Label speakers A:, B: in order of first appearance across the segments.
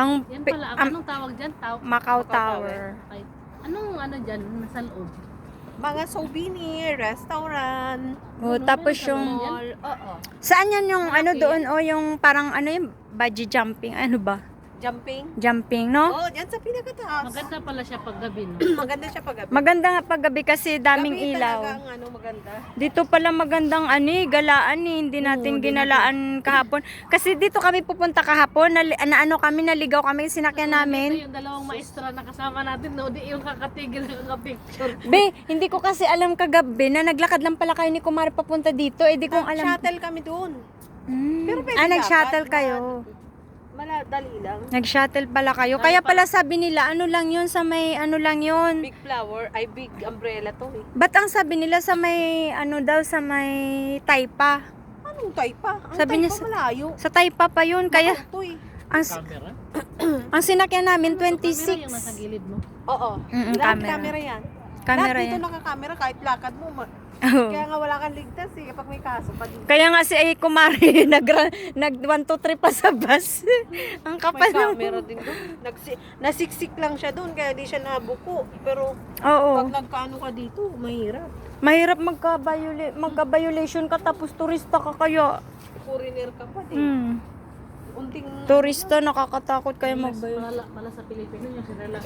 A: Ang,
B: Yan
A: pi-
B: pala,
A: ang
B: anong tawag dyan?
A: Macau
C: Macau
A: Tower.
B: Okay. Anong ano dyan, nasa loob?
C: Mga souvenir, restaurant,
A: Oh,
B: Ano,
A: tapos
B: meron ka
A: yung...
B: naman yan?
C: mall. Oo.
A: Saan yan yung ano
B: Malaki.
A: doon? O yung parang ano yung bungee jumping? Ano ba?
C: Jumping.
A: Jumping, no?
C: Oo, dyan sa pinakataas.
B: Maganda pala siya pag gabi, no?
C: Maganda siya pag gabi.
A: Maganda nga pag gabi kasi daming
C: Gabi
A: ilaw.
C: talaga ang ano, maganda.
A: Dito pala magandang galaan eh. Hindi natin ginalaan kahapon. Kasi dito kami pupunta kahapon. Ano kami, naligaw kami, sinakyan
B: Ito
A: namin.
B: yung dalawang maestra na kasama natin, no? Di yung kakatigil na picture.
A: Be, hindi ko kasi alam kagabi na naglakad lang pala kayo ni Kumari papunta dito. Eh di kong alam.
C: Shuttle kami doon.
A: Hmm.
C: Pero pwede
A: Nag-shuttle
C: dapat,
A: kayo.
C: Dali lang.
A: Nag-shuttle pala kayo. Kaya pala sabi nila, ano lang yun sa may, ano lang yun.
C: Big flower, ay big umbrella to eh.
A: Ba't ang sabi nila sa may, ano daw, sa may Taypa?
C: Anong Taypa? Ang
A: Sabi niya
C: Taypa malayo.
A: Sa Taypa pa yun. Kaya,
C: Ito eh.
A: ang,
B: Camera?
A: ang sinakyan namin,
B: Camera yung
A: 26.
B: nasa gilid mo.
C: Oo.
A: Camera.
C: Camera yan.
A: Camera
C: Lahat dito
A: yan.
C: nakakamera kahit lakad mo.
A: Oo.
C: Kaya nga wala kang ligtas eh kapag may kaso pa dito.
A: Kaya nga si Kumari, nag 1, 2, 3 pa sa bus. Ang
C: May
A: kapal ng...
C: camera din doon. Nasiksik lang siya doon kaya di siya nabuko. Pero
A: Oo.
C: pag nagkaano ka dito, mahirap.
A: Mahirap magka-violation ka tapos turista ka kaya.
C: Foreigner ka pa din.
A: Hmm.
C: Unting
A: Turista, nakakatakot kaya mag-violate.
B: Pala sa Pilipino yung sirala.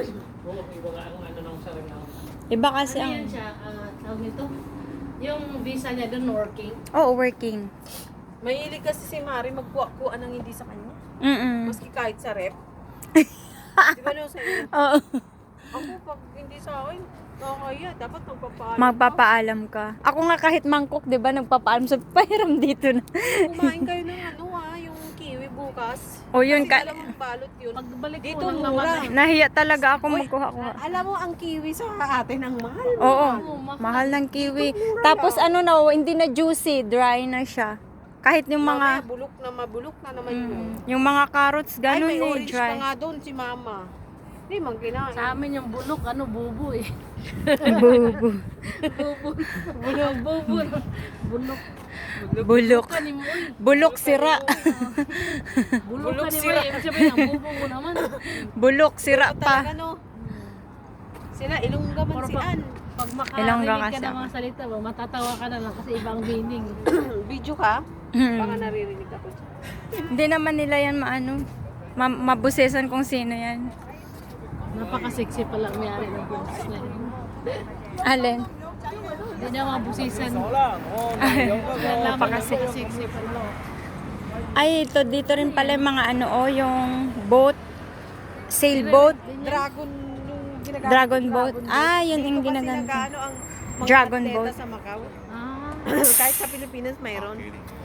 A: Iba kasi
B: Ano
A: ang...
B: yan siya? Tawag nito? Yung visa niya doon working.
A: Oo, working.
C: mahilig kasi si Mari magkuha-kuha ng hindi sa kanya. Maski kahit sa rep. Di ba no sa iyo?
A: Oo.
C: Ako pag hindi sa akin, nakakaya. Dapat magpapaalam
A: Magpapaalam ka. Ako nga kahit mangkok, 'di ba, nagpapaalam sa pahiram dito na.
C: Kumain kayo ng yung kiwi bukas.
A: O yun
C: Kasi alam mo, balot yun.
B: Pagbalik
C: Dito
B: mo ng
C: mura.
B: naman.
A: Nahiya talaga ako
C: Uy,
A: magkuha-kuha.
C: Alam mo, ang kiwi sa atin ang mahal.
A: Oo.
B: mahal.
A: Mahal ng kiwi.
C: Mura
A: Tapos
C: lang.
A: ano na, hindi na juicy, dry na siya. Kahit yung
C: Mamaya,
A: mga
C: mabulok na naman yun.
A: yung mga carrots
C: Ay,
A: ganun
C: may
A: eh,
C: orange pa
A: dry.
C: nga doon si Mama. Hindi man kinain.
B: Sa amin yung bulok, bubo eh.
A: Bubo.
B: Bubo. Bulok, bubo. Bulok.
A: Bulok.
B: Ka ni Moy.
A: Bulok sira.
B: Bulok
C: Bulok
B: ka ni Moy.
C: sira.
B: Ibig sabihin, ang bubo mo naman.
A: Bulok sira
C: Talaga
A: pa.
C: no. Sila, ilongga man si Ann.
B: Pag
A: Ilongga
B: makarinig ka
A: kasi
B: ng
A: ako.
B: mga salita mo, matatawa ka na lang kasi ibang meaning.
C: Video ka?
A: Hmm.
C: Baka naririnig ako.
A: Hindi naman nila yan maano. Mabusesan kung sino yan.
B: Napaka-sexy pala ang mayari ng boses na yun.
A: Alin?
B: Hindi na mabusisan.
A: Napaka-sexy.
B: Napaka-sexy pala.
A: Ay, ito dito rin pala yung mga ano yung boat. Sailboat.
C: Dragon yung ginagamit.
A: Dragon boat. Ah, yun yung
C: Dito kasi
A: ginagamit.
C: nag-ano ang mga
A: Dragon
C: atleta
A: boat.
C: sa Macau.
B: Ah,
C: Kahit sa Pilipinas mayroon.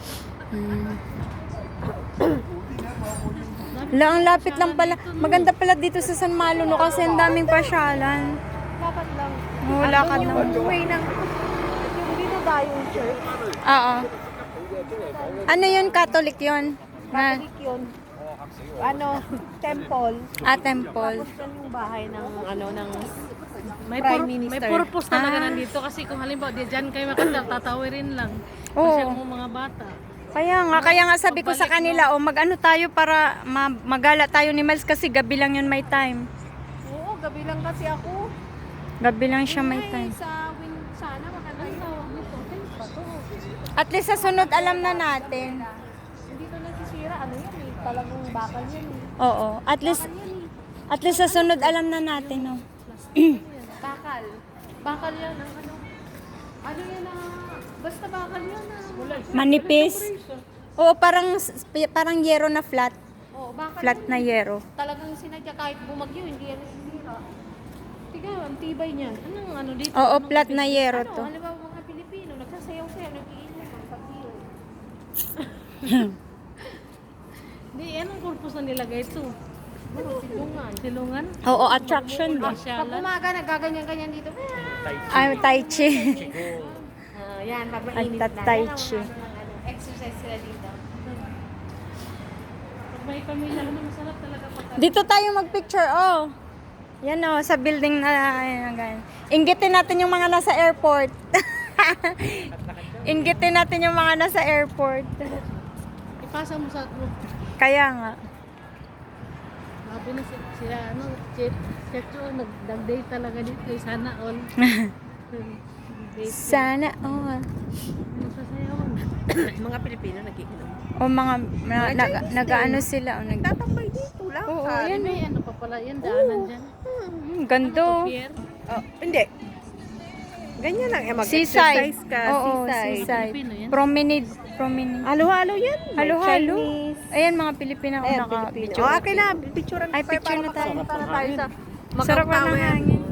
A: La, ang lapit lang pala. Maganda pala dito sa San Malo no kasi ang daming pasyalan.
C: Dapat lang.
A: Wala ka
C: Andun
A: naman.
C: yung way ng yung dinadayong church.
A: Oo. Ano yun? Catholic yun? Na,
C: Catholic yun. Ano, temple.
A: temple.
C: Tapos yan yung bahay ng ano ng
B: may,
C: Prime
B: may
C: Minister.
B: purpose talaga
A: Ah.
B: nandito kasi kung halimbawa di dyan kayo makita, tatawirin lang.
A: Oo.
B: Kasi ang mga bata.
A: Kaya nga sabi ko sa kanila, mag-ano tayo para magala tayo ni Miles kasi gabi lang yun may time.
C: Oo, gabi lang kasi ako.
A: Gabi lang siya may
C: Ay,
A: time.
C: sa win sana maganda yun.
A: At least sa sunod alam na natin.
C: Hindi to nasisira. Ano yan eh? Talagang bakal yan eh.
A: Oo. At least sa sunod alam na natin, no.
C: Bakal. Bakal yan ang ano. Ano yan ah. Basta bakal yan ah.
A: Manipis. Oo, parang yero na flat.
C: Oo, bakal
A: Flat
C: yan
A: na
C: eh.
A: yero.
C: Talagang sinadya kahit bumagyo, hindi yan nasisira. Tingnan, ang tibay niyan.
B: Anong ano dito?
A: Oo,
B: Anong
A: flat na yero
C: Ano,
A: to.
C: halimbawa mga Pilipino, nagsasayaw-sayaw, nag-iinom ang pagdiyo.
B: Di, anong purpose na nilagay ito? Silungan. Silungan?
A: Oo, attraction ba?
C: Pag
B: Pasyalan?
C: umaga, nagaganyan-ganyan dito.
A: Ay, tai chi.
C: Yan, pag
A: Ay,
C: mainit na.
A: Tai
C: Yan ang
A: Chi.
C: exercise sila dito.
B: Pag may pamilya ka na, masarap talaga pagka.
A: Dito tayo magpicture, oh. Yan oh, sa building na, ayan, ganyan. Inggitin natin yung mga nasa airport. Inggitin natin yung mga nasa airport.
B: Ipasa mo sa group.
A: Kaya nga.
B: Sabi na sila, ano, Checho, nag-date talaga dito. Sana all. Date.
A: Sana, oh.
B: Yung sasayawan.
C: Mga Pilipino nagiinom.
A: O mga, nag-ano sila, o,
C: Tatambay dito lang.
A: Oo,
B: Yan may ano pa pala, yan daanan dyan.
A: gando.
B: Pier.
C: Oh, hindi. Ganyan lang.
A: Seaside.
C: Mag-exercise ka.
A: Oo, seaside.
B: Pilipino yan.
A: Promenade.
C: Halo-halo yan. May
A: Halo-halo.
C: Chinese.
A: Ayan, mga Pilipino ako
C: Ayan,
A: naka-video.
C: Pilipino. Okay na. Picture
A: Ay, picture na tayo.
C: Para tayo sa
A: Sarap
C: Macau
A: na ng
C: Tower.
A: hangin.